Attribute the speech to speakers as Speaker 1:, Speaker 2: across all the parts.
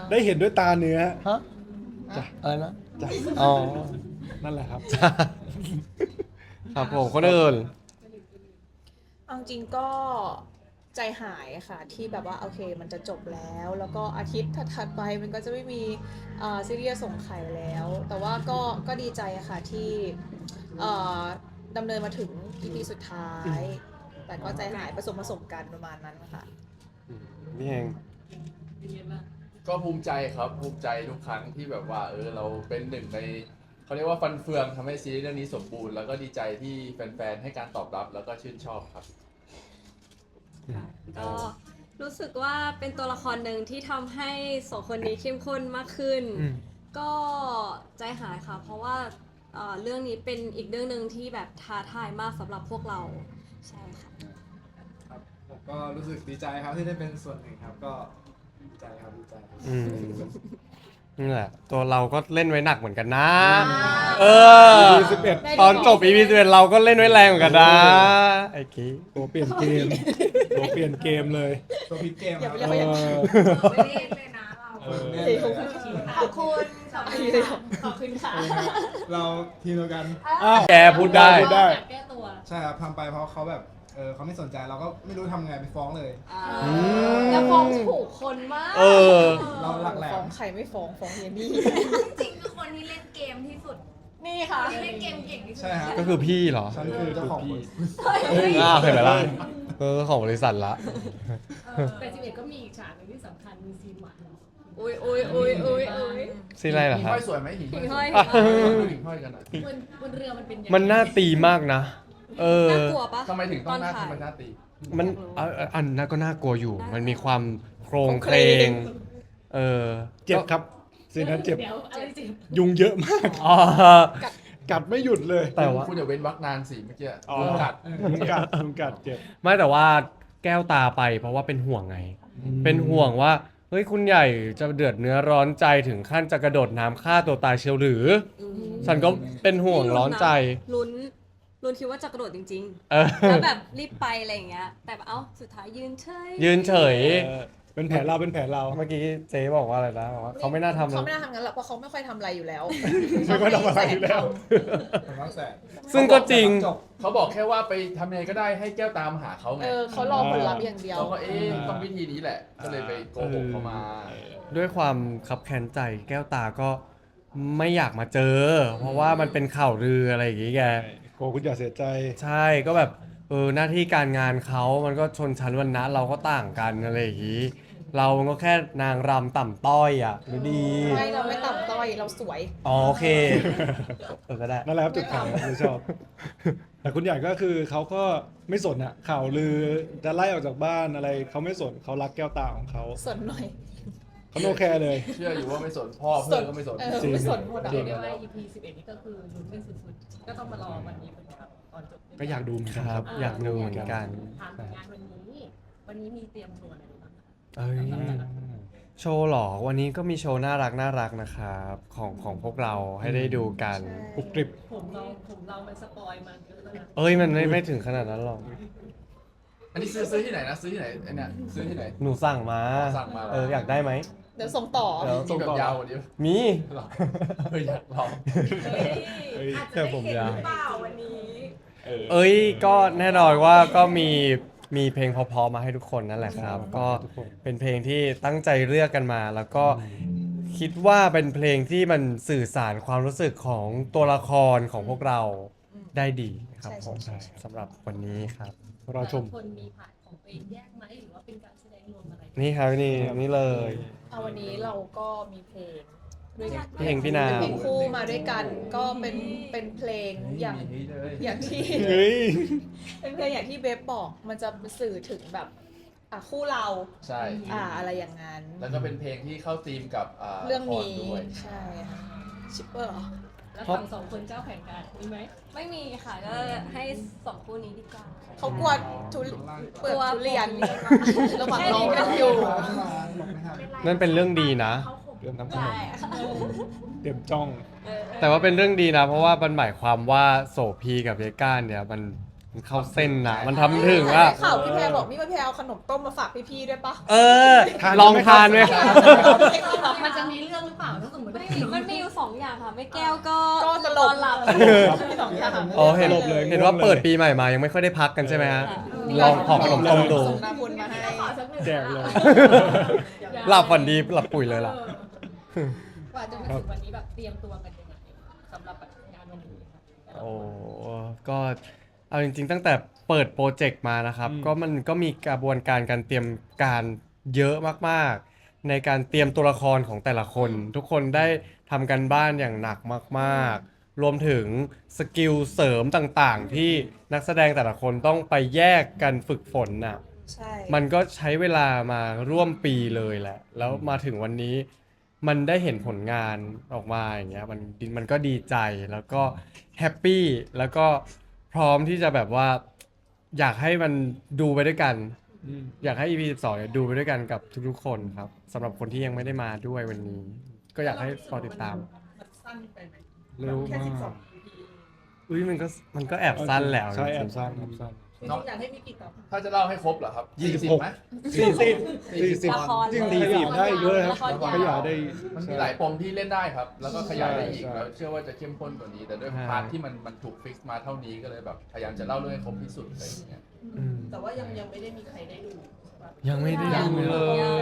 Speaker 1: ได้เห็นด้วยตาเนื้อ
Speaker 2: ฮะอะไรนะ
Speaker 1: จ้ะ
Speaker 2: อ๋อ
Speaker 1: นั่นแหละครับ
Speaker 2: ครับผมคนอื่น
Speaker 3: เอาจริงก็ใจหายค่ะที่แบบว่าโอเคมันจะจบแล้วก็อาทิตย์ถัดๆไปมันก็จะไม่มีซีรีส์ส่งไข่แล้ว แต่ว่าก็ดีใจค่ะที่เอ่อดำเนินมาถึง EP สุดท้าย แต่ก็ใจหายผสมกันประมาณนั้นค่ะ
Speaker 2: นี่เอง
Speaker 4: ก็ภูมิใจครับภูมิใจทุกครั้งที่แบบว่าเราเป็นหนึ่งในเขาเรียกว่าฟันเฟืองทำให้ซีรีส์เรื่องนี้สมบูรณ์แล้วก็ดีใจที่แฟนๆให้การตอบรับแล้วก็ชื่นชอบครับ
Speaker 5: ก็รู้สึกว่าเป็นตัวละครหนึ่งที่ทำให้สองคนนี้เข้มข้นมากขึ้น ก็ใจหายค่ะ เพราะว่าเรื่องนี้เป็นอีกเรื่องหนึ่งที่แบบท้าทายมากสำหรับพวกเราใช่ค่ะ
Speaker 6: ครับผมก็รู้สึกดีใจครับที่ได้เป็นส่วนหนึ่งครับก็ดีใจครับดีใจ
Speaker 2: นี่แหละตัวเราก็เล่นไว้หนักเหมือนกันนะ เออ
Speaker 1: EP 11
Speaker 2: ตอนจบ EP 11เราก็เล่นไว้แรงเหมือนกันนะไอ้กี้
Speaker 1: ตัวเปลี่ยนเกม ตัวเปลี่ยนเกมเลย
Speaker 6: ตัวพลิกเกม
Speaker 3: อย่า
Speaker 6: ค
Speaker 3: ไป
Speaker 6: รับ
Speaker 3: เรียกว่าอย่างนั้น
Speaker 7: ไม่เล่นเลยนะเรา
Speaker 3: ขอบคุณ
Speaker 7: ขอบคุณค่ะ
Speaker 6: เราทีมเดียวกัน
Speaker 1: อ้าว
Speaker 2: แกพูดได้
Speaker 1: พูดได้
Speaker 7: แก้ตัว
Speaker 6: ใช่ครับทำไปเพราะเขาแบบเขาไม่สนใจเราก็ไม่รู้ทำไงไปฟ้องเลย
Speaker 5: แล้วฟ้องถูกคนมาก
Speaker 2: เออ
Speaker 6: เราหลักแหล
Speaker 3: ฟ้อ
Speaker 6: ม
Speaker 3: งใครไม่ฟ้องเยนี่
Speaker 7: จริงคือคนที่เล่นเกมที่สุด
Speaker 3: นี่ค่ะ
Speaker 7: ที่เล่นเกมเก่งที่สุด
Speaker 6: ใช่ฮะ
Speaker 2: ก็คือพี่เหรอ
Speaker 6: ฉันคือเจ้าของ
Speaker 1: พี่
Speaker 2: อ้าวเห็นไหมล่ะของบริษัทละ
Speaker 7: แต่11ก็มีอีกฉากหนึงที่สำคัญมีซีนหวาน
Speaker 5: อุ้ย
Speaker 2: ซีไรเหรอ
Speaker 4: หิ่ง
Speaker 2: ครับ
Speaker 4: ห้อยสวยไหมหิ่ง
Speaker 5: หิ่ง
Speaker 4: ห้
Speaker 5: ห้
Speaker 4: อ
Speaker 5: อย ย
Speaker 4: ดูหิ่งห้อยกันหน่อย
Speaker 7: บนเรือมันเป็นยังไง
Speaker 2: มันน่าตีมากนะ เออ
Speaker 5: น่ากลัวปะ
Speaker 4: ทำไมถึงต้องหน้า
Speaker 5: ตถ่ย
Speaker 4: ทำไมหน้าตี
Speaker 2: มันอันนั้นก็น่ากลัวอยู่ มันมีความโครงเคลง เออ
Speaker 1: เจ็บครับซีนนั้นเจ็บ
Speaker 7: เดี๋ยวอะไรจริง
Speaker 1: ยุงเยอะมาก
Speaker 2: อ๋อ
Speaker 1: กัดไม่หยุดเลย
Speaker 2: แต่ว่า
Speaker 4: คุณอย่าเว้นวรรคนานสิเมื่อกี้
Speaker 1: อ๋อ
Speaker 4: ยุงกัด
Speaker 1: ยุงกัดเจ็บ
Speaker 2: ไม่แต่ว่าแก้วตาไปเพราะว่าเป็นห่วงไง เป็นห่วงว่า เฮ้ยคุณใหญ่จะเดือดเนื้อร้อนใจถึงขั้นจะกระโดดน้ำฆ่าตัวตายเชียวหรือ ฉันก็เป็นห่วงร้อนใจ
Speaker 5: ลุ้นคิดว่าจะกระโดดจริง
Speaker 2: เออ
Speaker 5: ๆ แล้วแบบรีบไปอะไรอย่างเงี้ย แต่เอ้าสุดท้ายยืนเฉย
Speaker 2: ยืนเฉย
Speaker 1: เป็นแผลเราเป็นแผลเรา
Speaker 2: เมื่อกี้เจ๊บอกว่าอะไรนะบอกว่าเขาไม่น่าทำ
Speaker 3: เขาไม่น่าทำงั้นหรอกเพราะเขาไม่ค่อยทำอะไรอยู่แล้ว
Speaker 1: ไม่ค่อยทำอะไรอยู่แล้ว
Speaker 6: ผมรักแสน
Speaker 2: ซึ่งก็จริง
Speaker 6: จบ
Speaker 4: เขาบอกแค่ว่าไปทำยังไงก็ได้ให้แก้วตามหาเขาไง
Speaker 3: เขารอผลลัพธ์อย่างเดียว
Speaker 4: เราก็ต้องวิธีนี้แหละ ก็เลยไปโกหกเขามา
Speaker 2: ด้วยความคับแค้นใจแก้วตาก็ไม่อยากมาเจอ เพราะว่ามันเป็นข่าวลืออะไรอย่างงี้แก
Speaker 1: โกคุณอย่าเสียใจ
Speaker 2: ใช่ก็แบบหน้าที่การงานเขามันก็ชนชั้นวรรณะเราก็ต่างกันอะไรอย่างงี้ เรามันก็แค่นางรำต่ำต้อยอ่ะหรือดี
Speaker 3: ไม่เราไม่ต่ำต้อยเราสวย
Speaker 2: อ๋อโอเคก็ได้
Speaker 1: นั่นแหละครับจุดขายที่ชอบ แต่คุณใหญ่ก็คือเขาก็ไม่สนอะข่าวลือจะไล่ออกจากบ้านอะไรเขาไม่สนเขารักแก้วตาของเขา
Speaker 3: สนหน่อย
Speaker 1: เขาโนแคร์เลย
Speaker 4: เชื่ออยู่ว่าไม่สนพ่อเพื่อนก็ไม่สน
Speaker 1: จริง
Speaker 3: ไม่สนหมดอะ
Speaker 7: เรียกได้ว่า EP 11นี่ก็คือลุ้นกันสุดๆ ก็ต้องมารอวันนี้เป็นครับตอนจบ
Speaker 1: ก็อยากดูเหมือนกัน
Speaker 2: ค
Speaker 1: ค
Speaker 2: รั
Speaker 1: รั
Speaker 2: บบ อยากดูเหมือนกัน
Speaker 7: ถามถึงงานวันนี้มีเตรียมตัวอะไรบ้างคะ
Speaker 2: เอ้ยโชว์เหรอวันนี้ก็มีโชว์น่ารักนะครับของพวกเราให้ได้ดูกัน
Speaker 1: กรุบกริบ
Speaker 7: ผมเรามันสปอยมาเยอะแล้วนะ
Speaker 2: เอ้ยมันไม่ถึงขนาดนั้นหรอก
Speaker 4: อันนี้ซื้อที่ไหนนะซื้อที่ไหนไอ้เนี่ยซื้อที่ไหน
Speaker 2: หนูสั่งมา
Speaker 4: สั่งมาเหรอ
Speaker 2: อยากได้ไหม
Speaker 3: เดี๋ยวส่งต่อ
Speaker 2: เดี๋ยว
Speaker 4: มีแบบยาวกว่านี้
Speaker 2: มี
Speaker 4: หรออยากลอง
Speaker 7: อาจจะได้เห็นหรือเปล่าวันนี้
Speaker 2: เอ้ยก็แน่นอนว่าก็มีเพลงเพอๆมาให้ทุกคนนั่นแหละครับ ก็เป็นเพลงที่ตั้งใจเลือกกันมา แล้วก็คิดว่าเป็นเพลงที่มันสื่อสารความรู้สึกของตัวละครของพวกเราได้ดีครับผม
Speaker 3: ใช่
Speaker 2: สำหรับวันนี้ครับ
Speaker 1: รอชม
Speaker 7: แต่ละคนมีผ่านของตัวเองแยกไหมหรือว่าเป็นการแสดงรวมอะไร
Speaker 2: นี่ครับนี่เลย
Speaker 3: เอาวันนี้เราก็มีเพลงด้วยกัน
Speaker 2: เพลงพี่นาง
Speaker 3: เป็นเพลงคู่มาด้วยกัน ก็เป็นเพลงอย่างที่
Speaker 1: เฮ้ย
Speaker 3: เป็นเพลงอย่างที่เบฟบอกมันจะสื่อถึงแบบคู่เรา
Speaker 4: ใช่
Speaker 3: อะไรอย่างนั้น
Speaker 4: แล้วก็เป็นเพลงที่เข้าธีมกับ
Speaker 3: เรื่องนี้
Speaker 4: ละคด้วย
Speaker 3: ใช่ค่ะชิปเปอร์เหรอ
Speaker 7: แล้วฝั่งสองคนเจ้าแข่งกันมีไหม
Speaker 5: ไม่มีค่ะก็ให้สองคู่นี้ดีกว่า
Speaker 3: เขากลัวทุเปิดทุเรียน
Speaker 5: กลัว
Speaker 3: ระหว่างรอกันอยู่
Speaker 2: นั่นเป็นเรื่องดีนะ
Speaker 1: เรื่องน้ำขน
Speaker 5: ได้
Speaker 1: ม
Speaker 5: ค่ะ
Speaker 1: เตรียมจ้อง
Speaker 2: แต่ว่าเป็นเรื่องดีนะ เพราะว่ามันหมายความว่าโสพีกับเยก้านเนี่ยมันเข้าเส้นนะมันทำถึงอะ
Speaker 3: ข่าวพี่แพรบอกนี่พี่แพรเอาขนมต้มมาฝากพี่ๆด้วยปะ
Speaker 2: เออ ลองทานไหมครับ
Speaker 5: มัน
Speaker 7: จะมีเรื่องหรือเปล่าถ้าสมมติว่า
Speaker 5: มันมีอยู่2อย่างค่ะ ไม่แก้วก็
Speaker 3: ก็ตลก
Speaker 5: นอนหลับ
Speaker 3: มีสองอย่าง
Speaker 2: อ๋อเห็น
Speaker 1: สลบเลย
Speaker 2: เห็นว่า
Speaker 1: ง่วงเลย
Speaker 2: เปิดปีใหม่มายังไม่ค่อยได้พักกันใช่ไหมฮะลองขอขนมต้มดู
Speaker 3: ส่งน้ำบุญมาให้
Speaker 7: ขอสักหนึ่ง
Speaker 1: แจกเลย
Speaker 2: หลับฝันดีหลับปุ๋ยเลยล่ะ
Speaker 7: กว่าจะมาถึงวันนี้แบบเตรียมตัวกันยังไงสำหรับงานวันนี้ค่ะ
Speaker 2: โอ้ก็เอาจริงๆตั้งแต่เปิดโปรเจกต์มานะครับ
Speaker 1: อืม
Speaker 2: ก็มันก็มีกระบวนการการเตรียมการเยอะมากๆ ในการเตรียมตัวละครของแต่ละคน ทุกคนได้ทำกันบ้านอย่างหนักมากๆ รวมถึงสกิลเสริมต่างๆ ที่นักแสดงแต่ละคนต้องไปแยกกันฝึกฝนน่ะ
Speaker 3: ใช่
Speaker 2: มันก็ใช้เวลามาร่วมปีเลยแหละ แล้วมาถึงวันนี้มันได้เห็นผลงานออกมาอย่างเงี้ยมันก็ดีใจแล้วก็แฮปปี้แล้วก็พร้อมที่จะแบบว่าอยากให้มันดูไปด้วยกัน
Speaker 1: อืม
Speaker 2: อยากให้ EP 12เนี่ยดูไปด้วยกันกับทุกๆคนครับสำหรับคนที่ยังไม่ได้มาด้วยวันนี้ ก็อยากให้รอติดตาม
Speaker 7: มันสั้นไปไหม
Speaker 1: เร็ว
Speaker 7: แค่
Speaker 1: มาก
Speaker 7: 12 EP
Speaker 2: อุ้ยมันก็แอบสั้นแล้ว
Speaker 1: ใช่แอ
Speaker 2: จริ
Speaker 1: บ
Speaker 2: งๆ
Speaker 1: สั้นแอบสั้น
Speaker 7: จริงๆอยากให้มีกี่ตอน
Speaker 4: ถ้าจะเล่าให้ครบเหรอครับ
Speaker 1: 26
Speaker 4: ไหม
Speaker 1: 40
Speaker 5: ละคร
Speaker 1: จริงขยายได้เยอะครับ
Speaker 5: ละครยาว
Speaker 1: ขยายได้
Speaker 4: มันมีหลายปมที่เล่นได้ครับ แล้วก็ขยายได้อีก
Speaker 1: ใช่
Speaker 4: แล้วเชื่อว่าจะเข้มข้นกว่านี้ แต่ด้วย
Speaker 2: ใช่
Speaker 4: พาร์ทที่มันถูกฟิกซ์มาเท่านี้ก็เลยแบบพยายามจะเล่าเรื่องให้ครบที่สุดอะไรอย่างเงี้ย
Speaker 2: อืม
Speaker 7: แต่ว่ายังไม่ได้มีใครได้ดูใช่ปะ
Speaker 2: ยังไม่ได้ดูเลย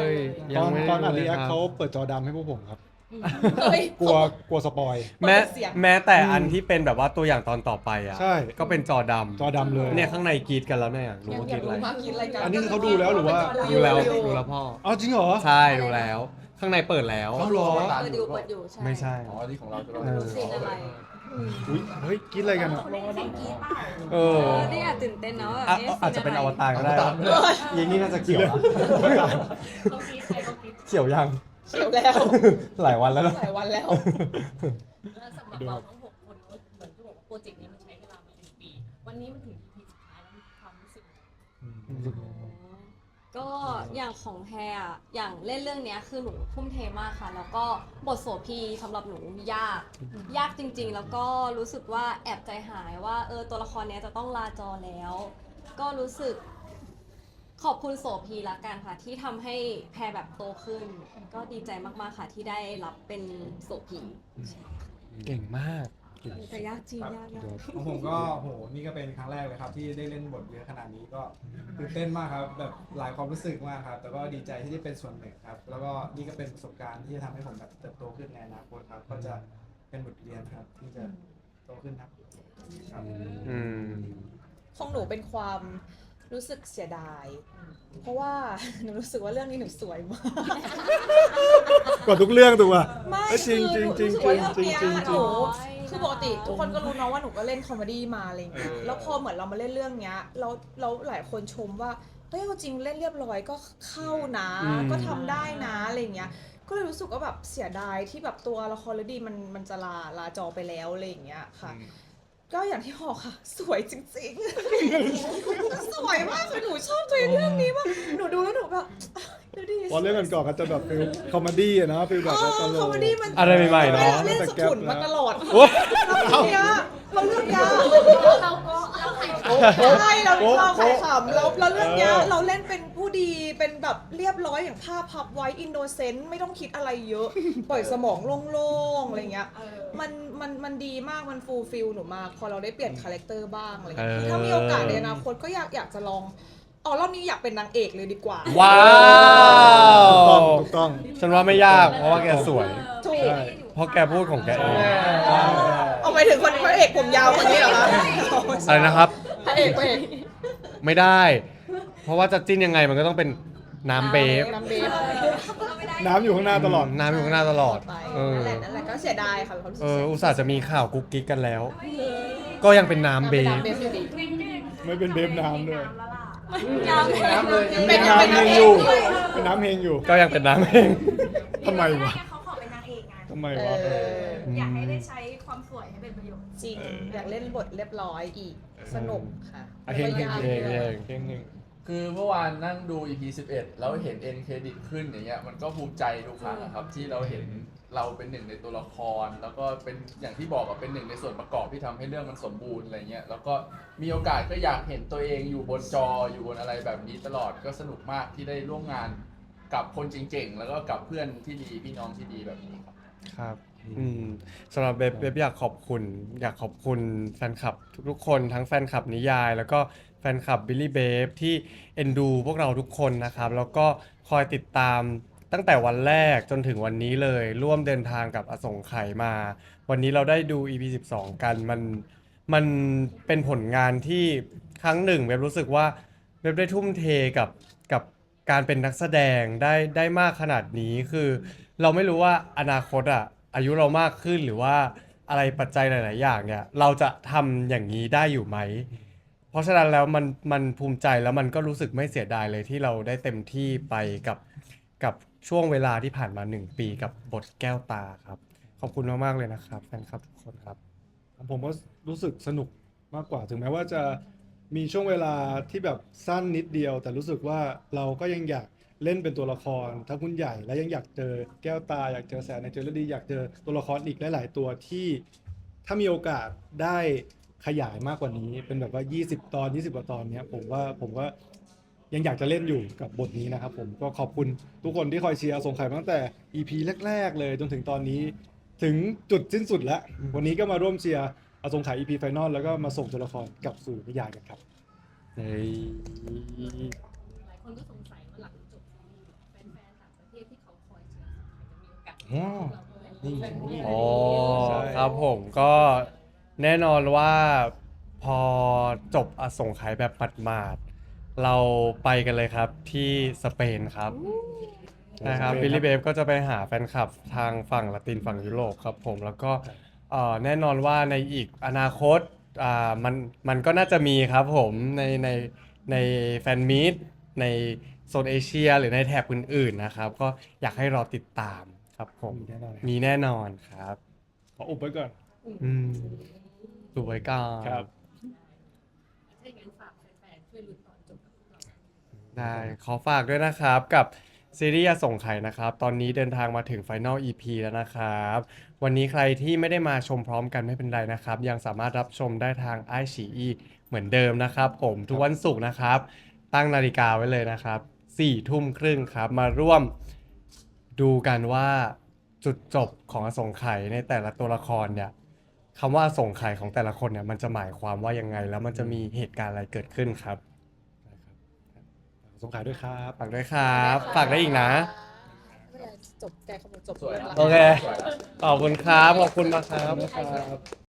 Speaker 1: ตอน
Speaker 2: ไม่ได้
Speaker 1: ตอนอัด
Speaker 2: ดู
Speaker 1: รี
Speaker 2: ล
Speaker 1: แอย ค
Speaker 2: ครับ
Speaker 1: เขาเปิดจอดำให้พวกผมครับ
Speaker 3: เฮ้ย
Speaker 1: กลัวสปอย
Speaker 2: แม้
Speaker 3: เปิดเสียง
Speaker 2: แม้แต่อันที่เป็นแบบว่าตัวอย่างตอนต่อไปอ่ะ
Speaker 1: ใช่
Speaker 2: ก็เป็นจอดำ
Speaker 1: จอดำเลย
Speaker 2: เนี่ยข้างในกรีดกันแล้วเนี่ยรู้ว่ากรีดอะไร
Speaker 3: มากินอะไรกัน
Speaker 1: อันนี้คือเขาดูแล้วหรือว่า
Speaker 2: ดูแล้วดูแล้วพ่อ
Speaker 1: อ๋อจริงเหรอ
Speaker 2: ใช่ดูแล้ว ข้างในเปิดแล้ว
Speaker 1: เอาเหรอ
Speaker 5: เปิดอยู่ใช่
Speaker 2: ไม่ใช่
Speaker 4: อ๋อที่ของเราจะ
Speaker 2: เออ
Speaker 5: ซีนอะไร
Speaker 1: อุ๊ยเฮ้ยคิดอะไรกันอ่ะ
Speaker 2: เออ
Speaker 5: นี่อาจตื่นเต้นนะว่า
Speaker 2: อ่ะ
Speaker 5: เอ๊ะ
Speaker 2: อาจจะเป็นอวตารก็ได้
Speaker 4: ตามเลย
Speaker 2: ยิงนี่น่าจะเขียวอะ
Speaker 7: เขาคิดใครเขาคิด
Speaker 2: เขียวยัง
Speaker 3: เขียวแล้ว
Speaker 2: หลายวันแล้วนะ
Speaker 3: หลายวันแล้ว
Speaker 7: แล้วสำหรับเราทั้ง6 คนเหมือนที่บอกว่าโปรเจกต์นี้มันใช้เวลามา1 ปี วันนี้มันถึง EP สุดท้ายแล้วมีความรู้สึกยังไง
Speaker 5: ก็อย่างของแพรอะอย่างเล่นเรื่องเนี้ยคือหนูทุ่มเทมากค่ะ แล้วก็บทโสภีสำหรับหนูยากจริง ๆ แล้วก็รู้สึกว่าแอบใจหายว่าตัวละครเนี้ยจะต้องลาจอแล้ว ก็รู้สึกขอบคุณโสภีละกันค่ะ ที่ทำให้แพรแบบโตขึ้น ก็ดีใจมากๆค่ะที่ได้รับเป็นโสภี
Speaker 2: เก่งมาก
Speaker 5: แต่ยากจริงยาก
Speaker 6: ของผมก็โหนี่ก็เป็นครั้งแรกเลยครับ ที่ได้เล่นบทเยอะขนาดนี้ก็ตื่นเต้นมากครับแบบหลายความรู้สึกมากครับ แต่ก็ดีใจที่ได้เป็นส่วนหนึ่งครับ แล้วก็นี่ก็เป็นประสบการณ์ที่จะทำให้ผมแบบเติบโตขึ้นในอนาคตครับ ก็จะเป็นบทเรียนครับที่จะโตขึ้นครับครับ
Speaker 2: อืม
Speaker 3: ของหนูเป็นความรู้สึกเสียดาย เพราะว่า หนูรู้สึกว่าเรื่องนี้หนูสวยมาก
Speaker 1: กว่าทุกเรื่องถูกป่ะ
Speaker 3: ไม่
Speaker 1: เอ้ยจริง
Speaker 3: คือ
Speaker 1: จริง
Speaker 3: หนู
Speaker 1: จริง
Speaker 3: รู้สึกว่าเรื่องเนี้ย
Speaker 1: จริงจริง
Speaker 3: หนูคือปกติทุกคนก็รู้เนาะว่าหนูก็เล่นคอมเมดี้มาอะไรอย่างเงี้ยแล้วพอเหมือนเรามาเล่นเรื่องเนี้ยเราหลายคนชมว่าเฮ้ยเอาจริงเล่นเรียบร้อยก็เข้านะ
Speaker 2: อืม
Speaker 3: ก็ทำได้นะอะไรอย่างเงี้ย ก็เลยรู้สึกว่าแบบเสียดายที่แบบตัวละครเลดีมันจะลาจอไปแล้วอะไรอย่างเงี้ยค่ะ ก็อย่างที่บอกค่ะ สวยจริงๆ สวยมากเลยหนูชอบตัวเรื่องนี้มากหนูดูแล้วหนูแบบดูดิ
Speaker 1: พอเรื่องก่อนๆก็จะแบบฟิลคอมเมดี้อะนะฟิลแบบว่าตล
Speaker 3: คอม
Speaker 1: ก
Speaker 3: เมดี้มัน
Speaker 2: อะไรใหม่ๆเนอะ
Speaker 3: เล่นสกุลมาตลอด
Speaker 2: โอ๊ย
Speaker 3: เราเรื่องเนี้ยเราเรื่องเนี้ย
Speaker 7: เราก็เราใคร
Speaker 3: ใช่เราขายขำแล้วเรื่องเนี้ยเราเล่นเป็นผู้ดีเป็นแบบเรียบร้อยอย่างภาพพับไว้อินโนเซนต์ไม่ต้องคิดอะไรเยอะ ปล่อยสมองโล่งๆอะไรเงี้ย มันดีมากมันฟูลฟิลหนูมากพอเราได้เปลี่ยนคาแรคเตอร์บ้างอะไรเงี้ยคือถ้ามีโอกาสในอนาคตก็อยากจะลองรอบนี้อยากเป็นนางเอกเลยดีกว่า
Speaker 2: ว้า
Speaker 1: ถูกต้อง
Speaker 2: ฉันว่าไม่ยากเพราะว่าแกสวย
Speaker 3: ถูก
Speaker 1: ใช่
Speaker 2: เพราะแกพูดของแกเอง
Speaker 3: เอาไปถึงคนพระเอกผมยาวคนนี้เหรอคะ
Speaker 2: อะไรนะครับ
Speaker 3: พระเอก
Speaker 2: ไม่ได้ เพราะว่าจะจิ้นยังไงมันก็ต้องเป็นน้ำเบฟ
Speaker 3: น้ำเบฟ
Speaker 1: น้ำอยู่ข้างหน้าตลอด
Speaker 2: น้ำอยู่ข้างหน้าตลอด
Speaker 3: ไป
Speaker 2: เออ
Speaker 3: นั่นแหละก็เสียดายค่ะความรู้สึก
Speaker 2: อุตส่าห์จะมีข่าวกุ๊กกิ๊กกันแล้ว ก็ยังเป็นน้ำเบฟ
Speaker 3: น้ำเบฟอยู่ดี
Speaker 1: ไม่เป็นเบฟน้ำด้วย
Speaker 4: น้ำเลย
Speaker 3: เป็น
Speaker 1: น้ำ
Speaker 3: น้ำ
Speaker 1: เฮ
Speaker 3: เอง ง
Speaker 1: อยู่เป็นน้ำเฮงอยู่
Speaker 2: ก็ยังเป็นน้ำเอง
Speaker 1: ทำไมวะ
Speaker 8: เขาขอเป็นนางเอกไง
Speaker 1: ทำไม
Speaker 3: เอ
Speaker 1: วะ
Speaker 3: อ
Speaker 8: อยากให้ได้ใช้ความสวยให้เป็นประโยชน์
Speaker 3: จริงอยากเล่นบทเรียบร้อยอีกสนุกค่ะ
Speaker 1: อ่ะเฮงเฮง
Speaker 3: แล้วก็
Speaker 1: เฮ
Speaker 3: ยาก
Speaker 1: ง
Speaker 3: ด้วย
Speaker 1: เฮงเฮง
Speaker 4: คือเมื่อวานนั่งดู EP 11 แล้วเห็น end credit ขึ้นอย่างเงี้ยมันก็ภูมิใจทุกครั้งอะครับ ที่เราเห็นเราเป็นหนึ่งในตัวละคร แล้วก็เป็นอย่างที่บอกอะเป็นหนึ่งในส่วนประกอบที่ทำให้เรื่องมันสมบูรณ์อะไรเงี้ยแล้วก็มีโอกาสก็อยากเห็นตัวเองอยู่บนจออยู่บนอะไรแบบนี้ตลอดก็สนุกมากที่ได้ร่วมงานกับคนเจ๋งๆแล้วก็กับเพื่อนที่ดีพี่น้องที่ดีแบบนี้ครับ
Speaker 2: ครับสำหรับเบบอยากขอบคุณแฟนคลับทุกๆคนทั้งแฟนคลับนิยาย แล้วก็แฟนคลับบิลลี่เบฟที่เอ็นดูพวกเราทุกคนนะครับแล้วก็คอยติดตามตั้งแต่วันแรกจนถึงวันนี้เลยร่วมเดินทางกับอสงไขยมา วันนี้เราได้ดู EP 12 กันมันเป็นผลงานที่ครั้งหนึ่งเว็บรู้สึกว่าเว็บได้ทุ่มเทกับการเป็นนักแสดงได้มากขนาดนี้คือเราไม่รู้ว่าอนาคตอายุเรามากขึ้นหรือว่าอะไรปัจจัยหลาย ๆ อย่างเนี่ยเราจะทำอย่างนี้ได้อยู่ไหม เพราะฉะนั้นแล้วมันภูมิใจแล้วมันก็รู้สึกไม่เสียดายเลยที่เราได้เต็มที่ไปกับช่วงเวลาที่ผ่านมา1 ปีกับบทแก้วตาครับขอบคุณมาก ๆ เลยนะครับแฟนคลับทุกคนครับ
Speaker 1: ผมก็รู้สึกสนุกมากกว่าถึงแม้ว่าจะมีช่วงเวลาที่แบบสั้นนิดเดียว แต่รู้สึกว่าเราก็ยังอยากเล่นเป็นตัวละครทั้งคุณใหญ่และยังอยากเจอแก้วตาอยากเจอแสนในเจอร์ดีอยากเจอตัวละครอีกหลาย ๆ ตัวที่ถ้ามีโอกาสได้ขยายมากกว่านี้เป็นแบบว่า20 ตอน20 กว่าตอนเนี้ยผมก็ยังอยากจะเล่นอยู่กับบทนี้นะครับผมก็ขอบคุณทุกคนที่คอยเชียร์อสงไขยมาตั้งแต่ EP แรก ๆ เลยจนถึงตอนนี้ ถึงจุดสิ้นสุดแล้ว วันนี้ก็มาร่วมเชียร์อสงไขย EP Final แล้วก็มาส่งตัวละครกลับสู่นิยายกันครับ
Speaker 2: เฮ้ย
Speaker 7: หลายคนก็สงสัยว่าหลังจบซีรีส์แฟนๆต่างประเทศที่เขาคอยเชียร์ใครจะมีโอกาส
Speaker 1: อ๋อ
Speaker 7: เราด้วย
Speaker 1: นี่
Speaker 2: อ๋อ
Speaker 1: ใช่
Speaker 2: ครับผมก็แน่นอนว่าพอจบอสงไขยแบบหมาดๆเราไปกันเลยครับที่สเปนครับนะครับบิลลี่เบฟก็จะไปหาแฟนคลับทางฝั่งละตินฝั่งยุโรปครับผมแล้วก็แน่นอนว่าในอีกอนาคตมันก็น่าจะมีครับผมในแฟนมีตในโซนเอเชียหรือในแถบอื่นๆนะครับก็อยากให้รอติดตามครับผม
Speaker 1: มีแน่นอน
Speaker 2: มีแน่นอนครับ
Speaker 1: ขออุบไว้ก่อน
Speaker 2: ดูไว้ก่อน
Speaker 1: ครับ
Speaker 7: ถ้าอย่างนั้นฝากแฟนๆช่วยลุ้นตอนจบกับพวกเรา
Speaker 2: ได้ขอฝากด้วยนะครับกับซีรีส์อสงไขยนะครับ ตอนนี้เดินทางมาถึง Final EP แล้วนะครับ วันนี้ใครที่ไม่ได้มาชมพร้อมกันไม่เป็นไรนะครับ ยังสามารถรับชมได้ทางไอฉีอีเหมือนเดิมนะครับผมทุกวันศุกร์นะครับ ตั้งนาฬิกาไว้เลยนะครับ4 ทุ่มครึ่งครับ มาร่วมดูกันว่าจุดจบของอสงไขยในแต่ละตัวละครเนี่ยคำว่าอสงไขยของแต่ละคนเนี่ยมันจะหมายความว่ายังไง แล้วมันจะมีเหตุการณ์อะไรเกิดขึ้นครับ
Speaker 1: สงขายด้วยครับ
Speaker 2: ฝากด้วยครับ ฝากได้อีกนะ
Speaker 3: ไม่เป็นไรจบแกเขาบอกจบ
Speaker 4: สวย
Speaker 3: แล้ว
Speaker 2: โอเค ขอบคุณครับ ขอบคุณมากครับ
Speaker 1: ครับ